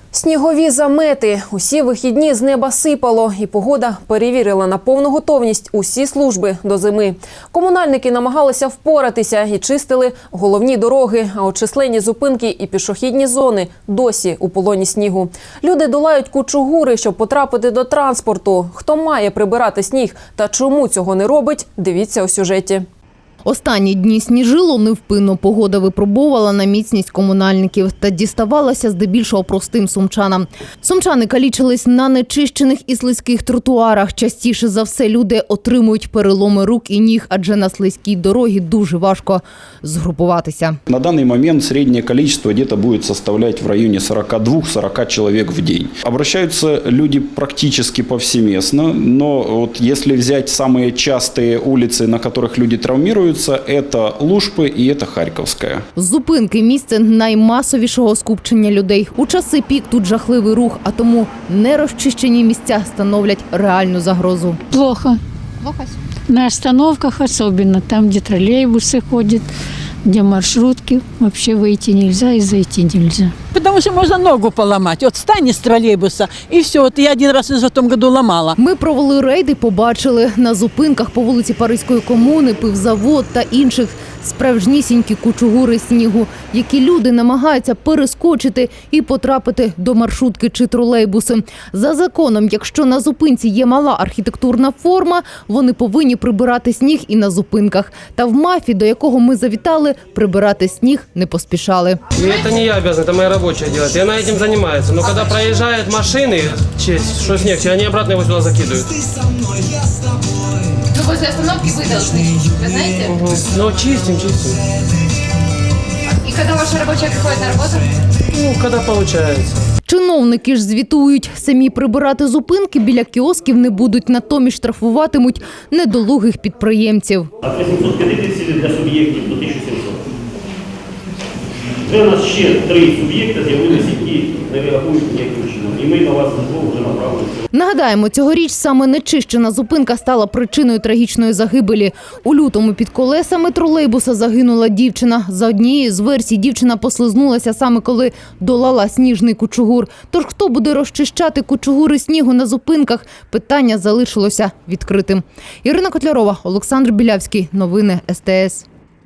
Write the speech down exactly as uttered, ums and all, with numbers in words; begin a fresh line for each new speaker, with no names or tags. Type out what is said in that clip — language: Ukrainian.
Снігові замети. Усі вихідні з неба сипало, і погода перевірила на повну готовність усі служби до зими. Комунальники намагалися впоратися і чистили головні дороги, а от численні зупинки і пішохідні зони досі у полоні снігу. Люди долають кучугури, щоб потрапити до транспорту. Хто має прибирати сніг та чому цього не робить, дивіться у сюжеті.
Останні дні сніжило невпинно. Погода випробовувала на міцність комунальників та діставалася здебільшого простим сумчанам. Сумчани калічились на нечищених і слизьких тротуарах. Частіше за все люди отримують переломи рук і ніг, адже на слизькій дорогі дуже важко згрупуватися.
На данный момент среднее количество где-то будет составлять в районе сорока двух — сорока человек в день. Обращаются люди практически повсеместно, но вот если взять самые частые улицы, на которых люди травмируются, это Лужпы и это Харьковская.
Зупинки – місце наймасовішого скупчення людей. У часи пік тут жахливий рух, а тому нерозчищені місця становлять реальну загрозу.
Плохо.
Плохо?
На остановках особенно, там, где троллейбусы ходят, где маршрутки, вообще выйти нельзя и зайти нельзя.
Потому что можно ногу поломать. Вот встань из троллейбуса, и все. Вот я один раз в том году ломала.
Ми провели рейди, побачили на зупинках по вулиці Паризької комуни, пивзавод та інших справжнісінькі кучугури снігу, які люди намагаються перескочити і потрапити до маршрутки чи тролейбуси. За законом, якщо на зупинці є мала архітектурна форма, вони повинні прибирати сніг і на зупинках. Та в МАФі, до якого ми завітали, прибирати сніг не поспішали.
И это не я обязан, это моя рабочая делает. И она этим занимается. Но когда проезжают машины, честь, что снег, они обратно его сюда закидывают.
Ну, возле остановки вы должны, вы знаете?
Угу. Ну, чистим, чистим.
И когда ваша рабочая приходит на работу?
Ну, когда получается.
Чиновники ж звітують, самі прибирати зупинки біля кіосків не будуть, натомість штрафуватимуть недолугих підприємців.
А при сімсот п'ятдесят для суб'єктів до тисячі сімсот. Це у нас ще три суб'єкти з'явилися, які не реагують ніяким чином. І ми на вас службово вже направили.
Нагадаємо, цьогоріч саме нечищена зупинка стала причиною трагічної загибелі. У лютому під колесами тролейбуса загинула дівчина. За однією з версій, дівчина послизнулася саме коли долала сніжний кучугур. Тож хто буде розчищати кучугури снігу на зупинках, питання залишилося відкритим. Ірина Котлярова, Олександр Білявський. Новини ес те ес.